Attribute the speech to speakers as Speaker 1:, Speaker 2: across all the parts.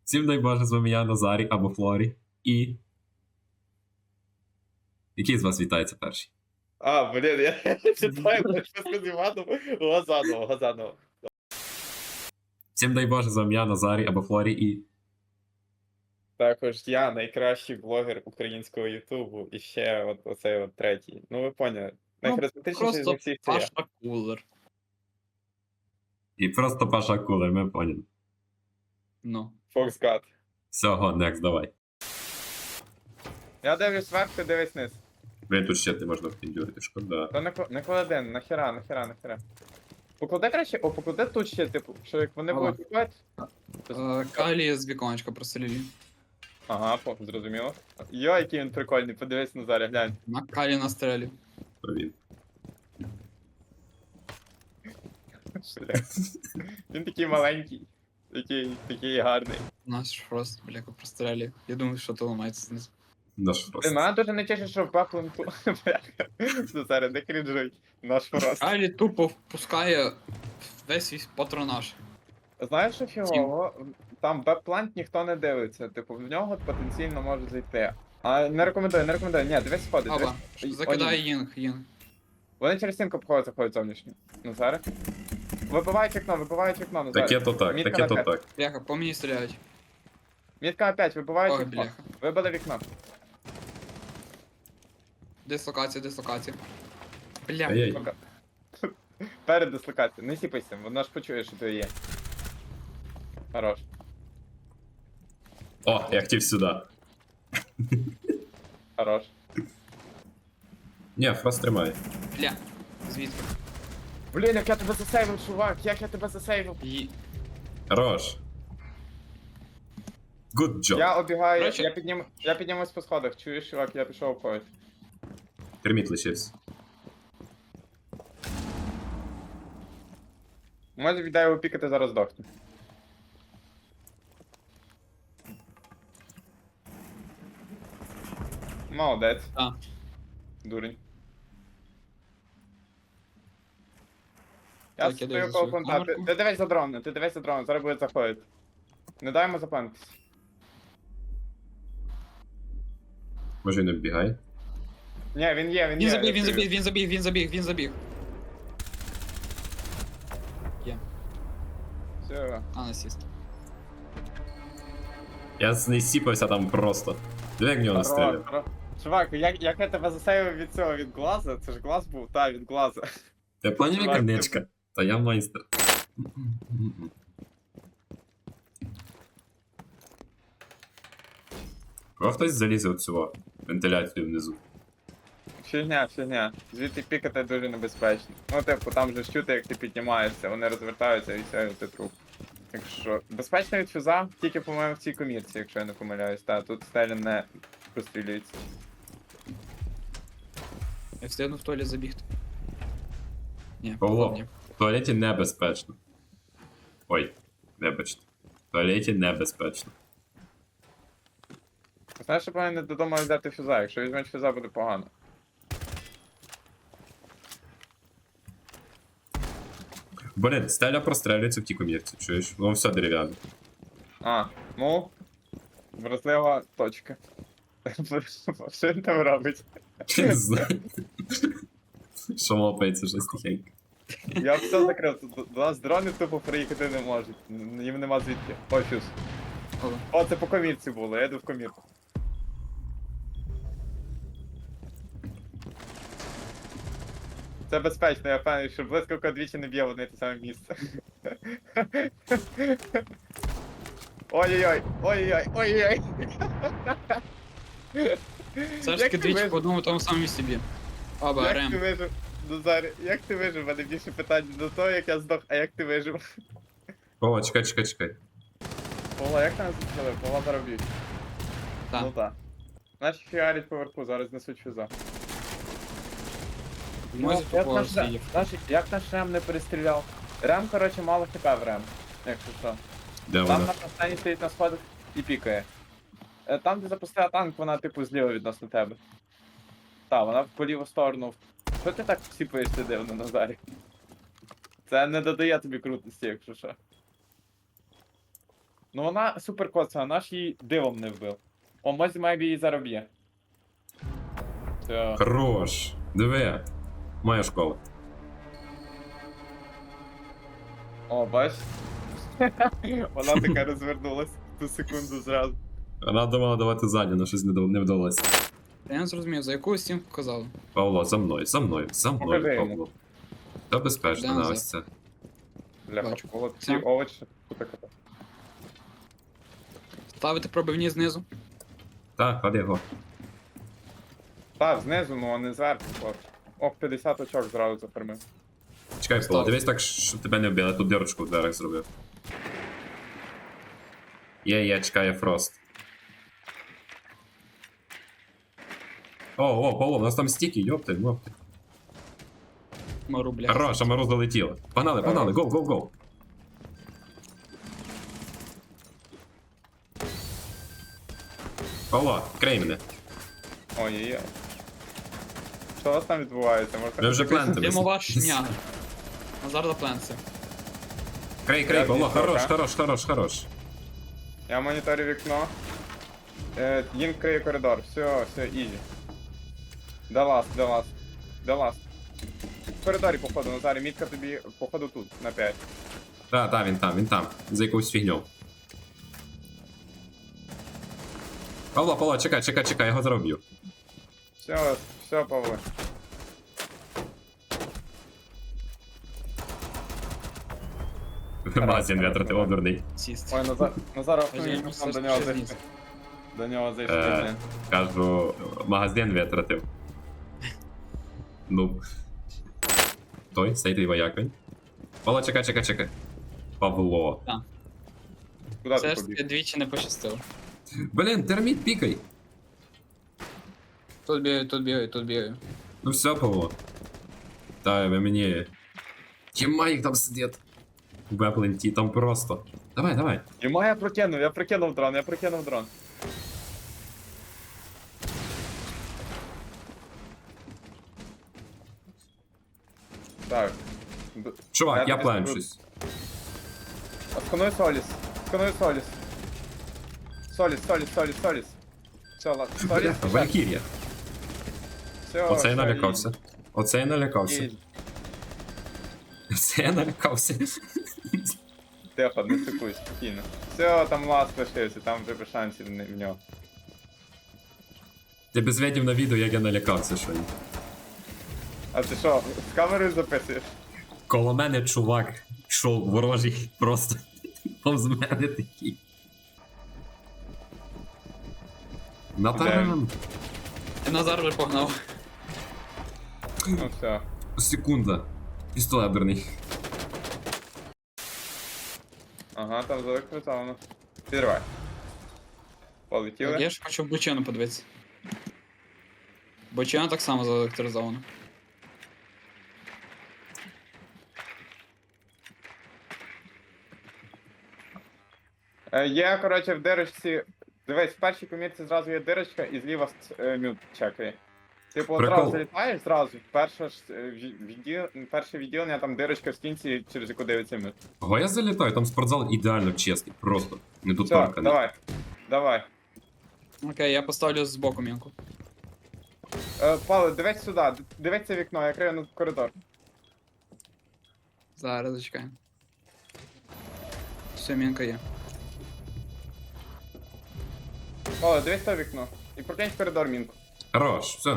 Speaker 1: Всім дай Боже, з вами я, Назарі або Флорі. І. Який з вас вітається перший?
Speaker 2: А, блін, я читаю, що сказав, Газанова.
Speaker 1: Всім дай Боже, з вами я, Назарі або Флорі і.
Speaker 2: Також я найкращий блогер українського Ютубу і ще от оцей от третій. Ну ви поняли. Найхаризматичніший
Speaker 3: Просто
Speaker 2: з всіх це я.
Speaker 3: Паша Кулер.
Speaker 1: І просто Паша Кулер, ми поняли.
Speaker 3: Ну.
Speaker 2: Фоксгад.
Speaker 1: Всього, next, давай.
Speaker 2: Я дивлюсь вверх, ти дивись вниз.
Speaker 1: Блін, тут ще ти можна впіндюрити, шкода.
Speaker 2: То не клади, нахера. Поклади краще, поклади тут ще, типу, що як вони
Speaker 3: Ага.
Speaker 2: будуть купати.
Speaker 3: Калі з віконечка прострілі.
Speaker 2: Ага, зрозуміло. Йо, який він прикольний, подивись Назаря, глянь.
Speaker 3: На Калі на стрелі.
Speaker 1: То він.
Speaker 2: Бля. Він такий маленький, такий гарний.
Speaker 3: Наш просто, бляка, прострелі. Я думаю, що то ламається знизу.
Speaker 1: Наш
Speaker 2: Ти
Speaker 1: просто.
Speaker 2: мене дуже не тішить, що в Бакланку. Назаря, не крінжуй. Наш фрост.
Speaker 3: Калі тупо впускає весь свій патронаж.
Speaker 2: Знаєш, що фігово? Там бек-плант ніхто не дивиться, типу, в нього потенційно може зайти. А не рекомендую. Ні, дивись сходи,
Speaker 3: Аба,
Speaker 2: дивись.
Speaker 3: закидає Їнг.
Speaker 2: Вони через стінку заходять зовнішньо. Назаре. Вибивають вікно, Назаре.
Speaker 1: Таке то так,
Speaker 2: Мітка
Speaker 1: таке
Speaker 2: на
Speaker 1: то
Speaker 2: п'ять.
Speaker 1: так.
Speaker 3: Бляха, по мені стріляють.
Speaker 2: Мітка опять, вибивають
Speaker 3: Ой,
Speaker 2: вікно.
Speaker 3: бляха.
Speaker 2: Вибили вікно.
Speaker 3: Дислокація. Бля.
Speaker 1: Ай-яй.
Speaker 2: Пока. Перед дислокацією. Не сіпайся, вона ж почує, що ти є. Хорош.
Speaker 1: О, я хотів сюди.
Speaker 2: Хорош.
Speaker 1: Ні, фрост тримає.
Speaker 3: Бля. Звідки?
Speaker 2: Блін, як я тебе засейвив, чувак, як я тебе засейвив.
Speaker 1: Хорош. Good job.
Speaker 2: Я обігаю,
Speaker 3: Короче-
Speaker 2: я піднімусь по сходах, чуєш, чувак, я пішов обходити.
Speaker 1: Терміт лишився.
Speaker 2: Може віддай його пікати, зараз здохне. Молодець.
Speaker 3: А.
Speaker 2: Дурень.
Speaker 3: Так,
Speaker 2: Я
Speaker 3: я
Speaker 2: стою
Speaker 3: дивлюсь
Speaker 2: коло
Speaker 3: свою
Speaker 2: понта.
Speaker 3: камерку.
Speaker 2: Ти дивись за дроном, зараз буде заходити. Не дай йому заплантись.
Speaker 1: Може він оббігає?
Speaker 2: Ні, він є.
Speaker 3: Він забіг.
Speaker 2: Все.
Speaker 3: А, насіст.
Speaker 1: Я не сіпався там просто. Диви, як в нього настріляв.
Speaker 2: Чувак, як я тебе засейвив від цього, від глаза? Це ж глаз був? Та, від глаза.
Speaker 1: Ти поняв,
Speaker 2: Чувак,
Speaker 1: яка
Speaker 2: ти-
Speaker 1: ничка? Та я майстер. Кого хтось залізе от цього вентиляцію внизу.
Speaker 2: Фігня. Звідти пікати дуже небезпечно. Ну, типу, там же ж чути, як ти піднімаєшся, вони розвертаються і все, і ти труп. Так що, безпечно від фюза, тільки, по-моєму, в цій комірці, якщо я не помиляюсь. Та, тут стелі не прострілюється.
Speaker 3: Я встигну в туалет забігти. Ні,
Speaker 1: Павло.
Speaker 3: ні.
Speaker 1: В туалеті небезпечно. Ой, вибачте. В туалеті небезпечно.
Speaker 2: Знаєш, що повинен додому взяти фюза, якщо візьмеш фюза, буде погано.
Speaker 1: Блін, стеля прострелюється в тій комірці, чуєш? Воно все дерев'яне.
Speaker 2: А, ну, вразлива точка. Що він там робить?
Speaker 1: Не знаю. Що лопається щось тихенько.
Speaker 2: Я все закрив, тут до нас дрони тупо приїхати не можуть. Їм нема звідки. Ой, фюз.
Speaker 3: Ого.
Speaker 2: О, це по комірці було, я йду в комірку. Це безпечно, я впевнений, що блискавка двічі не б'є в одне те саме місце. Ой-ой-ой.
Speaker 3: Все ж таки двічі по одному тому самому місці б'є. Аба,
Speaker 2: Як ти
Speaker 3: Рем.
Speaker 2: вижив? Назарі, як ти вижив? У мене більше питань до того, як я здох, а як ти вижив?
Speaker 1: О, чекай.
Speaker 2: Пола, як ти нас зустріли? Пола заробіть.
Speaker 3: Так.
Speaker 2: Ну так. Наші фігарять поверху, зараз несуть фюза.
Speaker 3: Може,
Speaker 2: як
Speaker 3: по
Speaker 2: наш
Speaker 3: свій.
Speaker 2: як наш Рем не перестріляв? Рем, коротше, мало хп в Рем, якщо що.
Speaker 1: Де
Speaker 2: Там
Speaker 1: вона?
Speaker 2: на останній стоїть на сходах і пікає. Там, де запустила танк, вона типу зліва відносно тебе. Так, вона по ліву сторону. Що ти так сіпаєшся дивно, Назарі? Це не додає тобі крутості, якщо що. Ну вона супер коцана, наш її дивом не вбив. О, Мозі Мебі її зароб'є. Все.
Speaker 1: Хорош. Диви. Моя школа.
Speaker 2: О, бач. Вона така розвернулась в ту секунду зразу.
Speaker 1: Вона думала давати ззаді, але щось не вдалося.
Speaker 3: Я не зрозумів, за яку стінку казали.
Speaker 1: Павло, за мною, за мною, за мною,
Speaker 2: Покажи йому.
Speaker 1: Павло. Та безпечно
Speaker 3: Де
Speaker 1: на
Speaker 3: назад?
Speaker 1: ось це.
Speaker 2: Бляха,
Speaker 3: Бачу.
Speaker 2: коло ці
Speaker 3: Це?
Speaker 2: овочі. Кута-кута.
Speaker 3: Ставити пробивні знизу.
Speaker 1: Так, ходи його.
Speaker 2: Так, знизу, ну а не зверху, хлопці. О, 50 очок зразу зафармив.
Speaker 1: Чекай, Павло,
Speaker 3: Став.
Speaker 1: дивись так, щоб тебе не вбили, тут дірочку в дверях зробив. Є, чекає Фрост. О, Павло, у нас там стіки, йопти, мопти.
Speaker 3: Мару, бля.
Speaker 1: Хорош, а Мороз долетіло. Погнали, гоу. Павло, крей мене.
Speaker 2: Ой-ой-ой. Що у вас там відбувається? Може,
Speaker 1: Ми вже плентили.
Speaker 3: Димова шняга. Назар запленся.
Speaker 1: Крей,
Speaker 2: Я
Speaker 1: Павло,
Speaker 2: відійшов,
Speaker 1: хорош.
Speaker 2: Я моніторю вікно. Їм криє коридор. Все, ізі. Де ласт. В коридорі, походу, Назарі, мітка тобі, походу, тут, на 5.
Speaker 1: Так, він там. За якусь фігню. Павло, чекай, я його зроблю.
Speaker 2: Все, Павло.
Speaker 1: Магазин витратив, о, дурний.
Speaker 3: Сіст.
Speaker 2: Ой, Назар,
Speaker 3: Подожди,
Speaker 2: ми
Speaker 3: ну,
Speaker 2: там
Speaker 3: все
Speaker 2: до нього
Speaker 3: ж
Speaker 2: зайшли.
Speaker 3: знизу.
Speaker 2: До нього зайшли, блін.
Speaker 1: Кажу, магазин витратив. Ну. Той, цей вояк він. Павло, чекай. Павло.
Speaker 2: Куди
Speaker 3: Все
Speaker 2: ти
Speaker 3: ж таки
Speaker 2: побіг?
Speaker 3: двічі не пощастило.
Speaker 1: Блін, терміт пікай.
Speaker 3: Тут бігаю.
Speaker 1: Ну все, Павло. Та ви мені. Тіма їх там сидять. Вепленті, там просто. Давай.
Speaker 2: Йома, я прокинув дрон. Так.
Speaker 1: Чувак, я
Speaker 2: тобі
Speaker 1: планчусь.
Speaker 2: Скануй Соліс. Соліс. Все, ладно. Соліс.
Speaker 1: Валькірія.
Speaker 2: Все,
Speaker 1: Оце я
Speaker 2: все,
Speaker 1: налякався. Оце я налякався.
Speaker 2: ізі.
Speaker 1: Оце я налякався.
Speaker 2: Тихо, не стикуй, спокійно. Все, там ласт лишився, там вже без шансів в нього.
Speaker 1: Ти без видів на відео, як я налякався, що ні.
Speaker 2: А ти що, з камерою записуєш?
Speaker 1: Коло мене чувак йшов ворожий просто повз мене такий. Натарам.
Speaker 3: І Назар вже погнав.
Speaker 2: Ну все.
Speaker 1: Секунда. Пістолет дурний.
Speaker 2: Ага, там заелектризовано. Підривай. Полетіли.
Speaker 3: Я ж хочу в бочину подивитися. Бочина так само заелектризована.
Speaker 2: Є, коротше, в дирочці. Дивись, в першій комірці зразу є дирочка і зліва мют чекає. Типу,
Speaker 1: Прикол.
Speaker 2: одразу залітаєш зразу. Перше відділення, там дирочка в стінці, через яку дивиться мют.
Speaker 1: Ого, я залітаю, там спортзал ідеально чесний, просто. Не
Speaker 2: Все,
Speaker 1: доторканий.
Speaker 2: давай.
Speaker 3: Окей, я поставлю збоку мінку.
Speaker 2: Павло, дивись сюди, дивись це вікно, я крию на коридор.
Speaker 3: Зараз зачекаємо. Все, мінка є.
Speaker 2: Павло, дивись це вікно. І прокинь в коридор мінку.
Speaker 1: Хорош, все.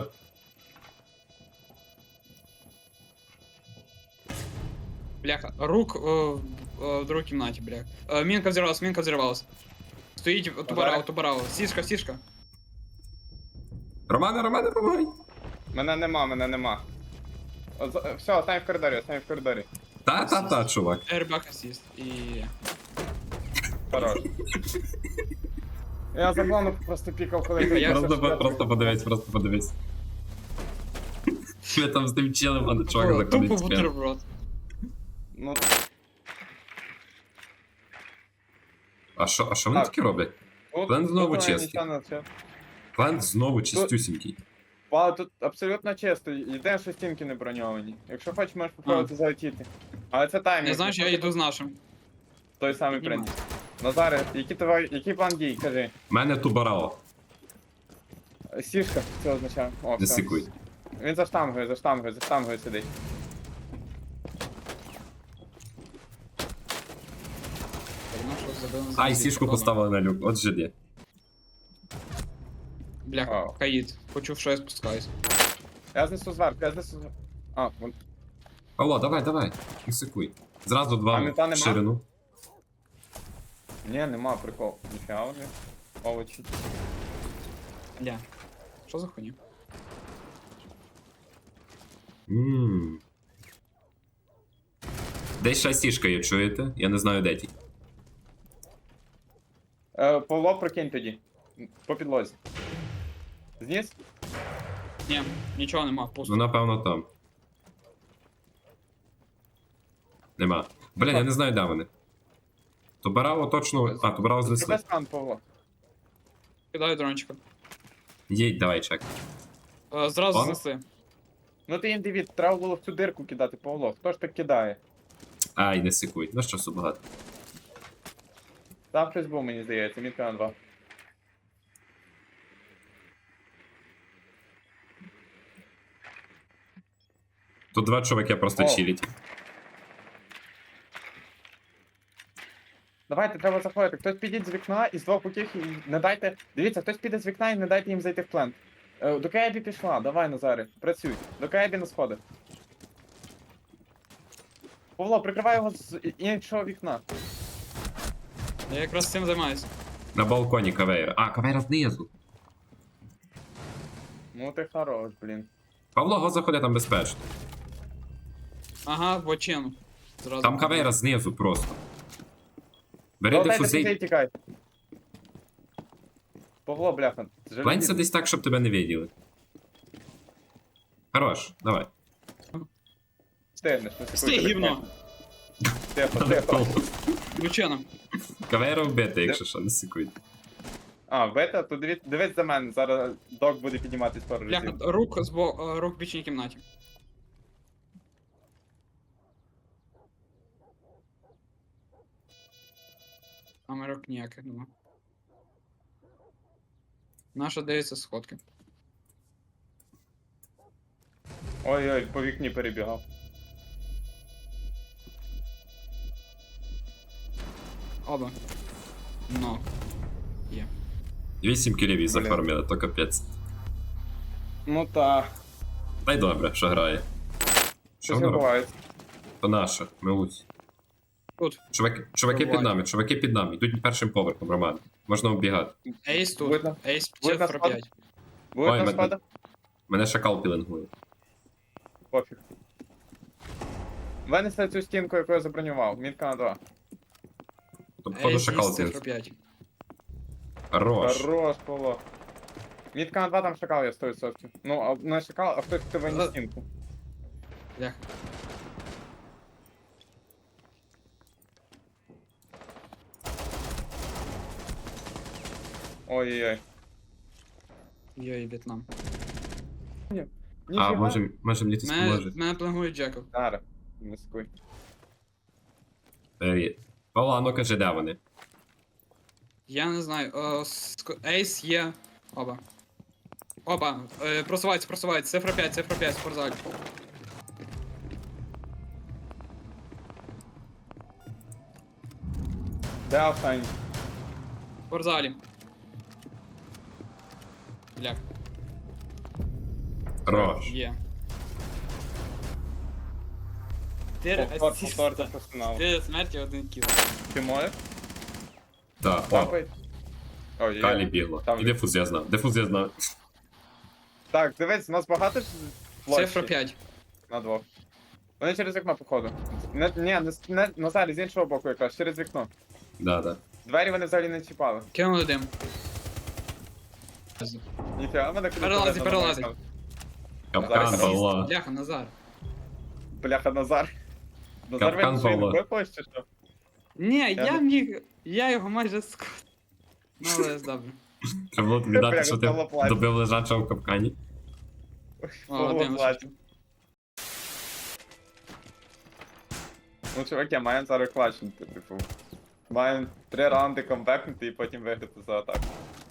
Speaker 3: Бляха, рук в другій кімнаті, бляха. Мінка взірвалась. Стоїть тубарау. Сішка.
Speaker 1: Романе, помагай.
Speaker 2: Мене нема. Все, остань в коридорі.
Speaker 1: Та, чувак.
Speaker 3: Airbag assist. І...
Speaker 2: Хорош. Я заглавно просто пікав, коли
Speaker 3: Я
Speaker 1: Просто подивись. Ми там з тим челем, а чувак
Speaker 3: Тупо
Speaker 1: заходить спину.
Speaker 3: бутерброд.
Speaker 2: Ну,
Speaker 1: А що вони
Speaker 2: Так.
Speaker 1: таке роблять?
Speaker 2: тут,
Speaker 1: План знову
Speaker 2: тут я
Speaker 1: чистий.
Speaker 2: нічого не вчив.
Speaker 1: План знову чистюсінький.
Speaker 2: Павло, тут абсолютно чисто. Єдине, що стінки не броньовані. Якщо хочеш, можеш попробувати залетіти. Але це таймінг.
Speaker 3: Я знаю, що я йду з нашим.
Speaker 2: Той самий
Speaker 3: Піднімаю.
Speaker 2: принцип. Назаре, який план дій, кажи.
Speaker 1: У мене тубарао.
Speaker 2: Сішка, це означає. О,
Speaker 1: Не
Speaker 2: все.
Speaker 1: сикуй.
Speaker 2: Він за штангою сидить.
Speaker 3: Ну, що, забили на
Speaker 1: Ай,
Speaker 3: землі.
Speaker 1: сішку
Speaker 3: Ладно.
Speaker 1: поставили на люк, от жиді.
Speaker 3: Бляха,
Speaker 2: Ау.
Speaker 3: Каїд. Почув, що я спускаюсь.
Speaker 2: Я знесу зверху. А, вон.
Speaker 1: Павло, давай, не сикуй. Зразу
Speaker 2: А
Speaker 1: два
Speaker 2: мета
Speaker 1: в
Speaker 2: нема?
Speaker 1: ширину.
Speaker 2: Ні, нема, прикол. Ніфіга вони. Овочі.
Speaker 3: Бля. Що за хуйня?
Speaker 1: Ммм. Десь ще сішка є, чуєте? Я не знаю, де ті.
Speaker 2: Павло, прокинь тоді. По підлозі. Зніс?
Speaker 3: Ні, нічого нема,
Speaker 1: Ну,
Speaker 3: пусто.
Speaker 1: напевно, там. Нема. Блін, я не знаю, де вони. Тубарао точно. А, Тубарао
Speaker 2: Зроби
Speaker 1: знесли.
Speaker 2: стан, Павло.
Speaker 3: Кидаю дрончика.
Speaker 1: Їдь, давай, чек.
Speaker 3: Зразу
Speaker 1: Ладно.
Speaker 3: знесли.
Speaker 2: Ну ти індивід, треба було в цю дирку кидати, Павло. Хто ж так кидає?
Speaker 1: Ай, не сикуй. Ну, часу багато.
Speaker 2: Там хтось був, мені здається, мітка на 2.
Speaker 1: Тут два чуваки просто
Speaker 2: О.
Speaker 1: чилять.
Speaker 2: Давайте, треба заходити. Хтось підіть з вікна і з двох боків і не дайте. Дивіться, хтось піде з вікна і не дайте їм зайти в плент. До Каебі пішла, давай, Назаре, працюй. До Каебі на сходи. Павло, прикривай його з іншого вікна.
Speaker 3: Я якраз цим займаюся.
Speaker 1: На балконі кавейра. А, кавейра знизу.
Speaker 2: Ну ти хорош, блін.
Speaker 1: Павло, го заходи, там безпечно.
Speaker 3: Ага, в очину. Зразу.
Speaker 1: Там кавейра знизу просто. Бери
Speaker 2: Дайте
Speaker 1: дифузій.
Speaker 2: і тікай. Павло, бляха.
Speaker 1: Пленься десь так, щоб тебе не виділи. Хорош, давай.
Speaker 2: Стигнеш, не
Speaker 3: Стій,
Speaker 2: секуй,
Speaker 3: гівно.
Speaker 2: Тихо, тихо.
Speaker 3: В очину.
Speaker 1: Кавейра вбити, якщо що, не сикуй.
Speaker 2: А, бета, то дивись за мене, зараз док буде підніматись пару
Speaker 3: Бляха,
Speaker 2: разів.
Speaker 3: рук в бічній кімнаті. Там рук ніяких нема. Наша дивиться сходки.
Speaker 2: Ой-ой, по вікні перебігав.
Speaker 3: Оба. Но. Є.
Speaker 1: 8 кілів
Speaker 2: Блін.
Speaker 1: зафармили, то капець.
Speaker 2: Ну та.
Speaker 1: Та й добре, що грає. Що
Speaker 2: Щось
Speaker 1: воно робить?
Speaker 2: відбувається.
Speaker 1: То наше, милусь.
Speaker 3: Тут.
Speaker 1: Чуваки під
Speaker 3: Буває.
Speaker 1: нами, чуваки під нами. Йдуть першим поверхом, Роман. Можна оббігати.
Speaker 3: Ейс тут.
Speaker 2: Видно.
Speaker 3: Ейс
Speaker 2: Видно
Speaker 3: цифра
Speaker 2: сход?
Speaker 3: 5.
Speaker 2: Буде
Speaker 1: Ой,
Speaker 2: на
Speaker 1: мене-
Speaker 2: сходах?
Speaker 1: Мене шакал пілингує.
Speaker 2: Пофіг. Винесли цю стінку, яку я забронював. Мітка на 2.
Speaker 1: То походу
Speaker 3: Ейс
Speaker 1: шакал
Speaker 3: цифра
Speaker 1: зніс.
Speaker 3: 5.
Speaker 1: Хорош.
Speaker 2: Хорош, Павло. Мітка на 2 там шакал є 100%. Ну, а не шакал, а хтось хто виніс стінку.
Speaker 3: Бляха.
Speaker 2: Ой-ой-ой.
Speaker 3: Йой, В'єтнам.
Speaker 1: А,
Speaker 2: Ніфіга.
Speaker 1: може мені хтось поможе.
Speaker 3: Мене плангує Джеков.
Speaker 2: Зараз, не скуй.
Speaker 1: Привіт. Павло, ну кажи, де вони?
Speaker 3: Я не знаю. Ейс є. Оба. Оба. Просуваються. Цифра 5, в спортзалі.
Speaker 2: Де останній?
Speaker 3: В спортзалі. Бляха.
Speaker 1: Хорош.
Speaker 3: Є. Ти
Speaker 2: Повтор та персонал.
Speaker 3: Ти смерті один кіл.
Speaker 2: Ти можеш?
Speaker 1: Так, о,
Speaker 2: Тапай. Ой,
Speaker 1: Калі бігло.
Speaker 2: Там-
Speaker 1: І дифуз я знав. Дифуз я знав.
Speaker 2: Так, дивись, у нас багато ж площі
Speaker 3: Цифра 5.
Speaker 2: на двох. Вони через вікно, походу. Не, Назарі, з іншого боку якраз, через вікно.
Speaker 1: Да.
Speaker 2: Двері вони взагалі не чіпали.
Speaker 3: Кинули дим.
Speaker 2: Ніфіга, мене куди
Speaker 3: Перелазить.
Speaker 1: Капкан,
Speaker 2: Зараз.
Speaker 1: Павло.
Speaker 3: Бляха, Назар.
Speaker 2: Бляха, Назар. Назар
Speaker 1: Капкан,
Speaker 2: вийшов
Speaker 1: Павло.
Speaker 2: не площі, чи що?
Speaker 3: Ні,
Speaker 2: Я
Speaker 3: я
Speaker 2: не-
Speaker 3: міг. Я його майже Ну, але добре.
Speaker 1: Треба було тобі дати,
Speaker 2: Бляха,
Speaker 1: що ти
Speaker 2: Павло плаче.
Speaker 1: добив лежачого в капкані.
Speaker 2: Павло
Speaker 3: дим
Speaker 2: плаче. Ну, чуваки, маємо зараз клачнути, типу. Маємо 3 раунди комбекнути і потім виграти за атаку.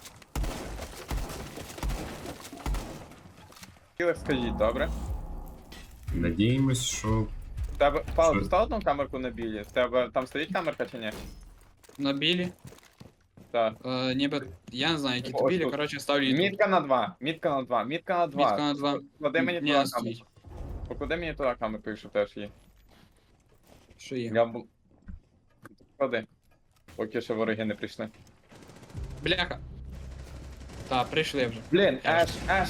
Speaker 2: Кілер, скажіть, добре?
Speaker 1: Надіємось, що.
Speaker 2: В тебе, Павло,
Speaker 1: Що?
Speaker 2: постав одну камерку на білі? В тебе там стоїть камерка чи ні?
Speaker 3: На білі.
Speaker 2: Так.
Speaker 3: Ніби, я не знаю, які
Speaker 2: Ось
Speaker 3: то білі,
Speaker 2: тут.
Speaker 3: коротше, ставлю YouTube.
Speaker 2: Мітка на 2, мітка на 2, мітка на 2.
Speaker 3: Мітка на 2.
Speaker 2: Поклади мені
Speaker 3: Ні,
Speaker 2: туди
Speaker 3: стоїть.
Speaker 2: камерку. Поклади мені туди камерку, якщо теж є.
Speaker 3: Що є?
Speaker 2: Я б... Клади. Поки ще вороги не прийшли.
Speaker 3: Бляха. Та, прийшли вже.
Speaker 2: Блін, Еш.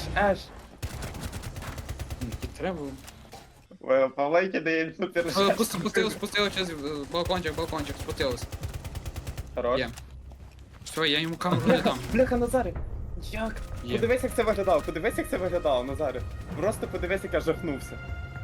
Speaker 3: І треба.
Speaker 2: Павлейки дає супер.
Speaker 3: Спустилось через балкончик, спустилось.
Speaker 2: Хорош.
Speaker 3: Є. Все, я йому камеру не дам.
Speaker 2: Бляха, Назаре! Як?
Speaker 3: Є.
Speaker 2: Подивись, як це виглядало, Назаре. Просто подивись, як я жахнувся.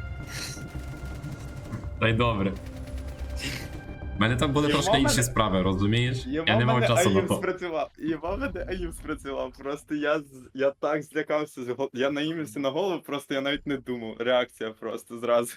Speaker 1: Та й добре. У мене там були
Speaker 2: Його
Speaker 1: трошки інші
Speaker 2: мене-
Speaker 1: справи, розумієш? Я не мав часу на то.
Speaker 2: спрацював, просто я так злякався, я наїмився на голову, просто я навіть не думав, реакція просто зразу.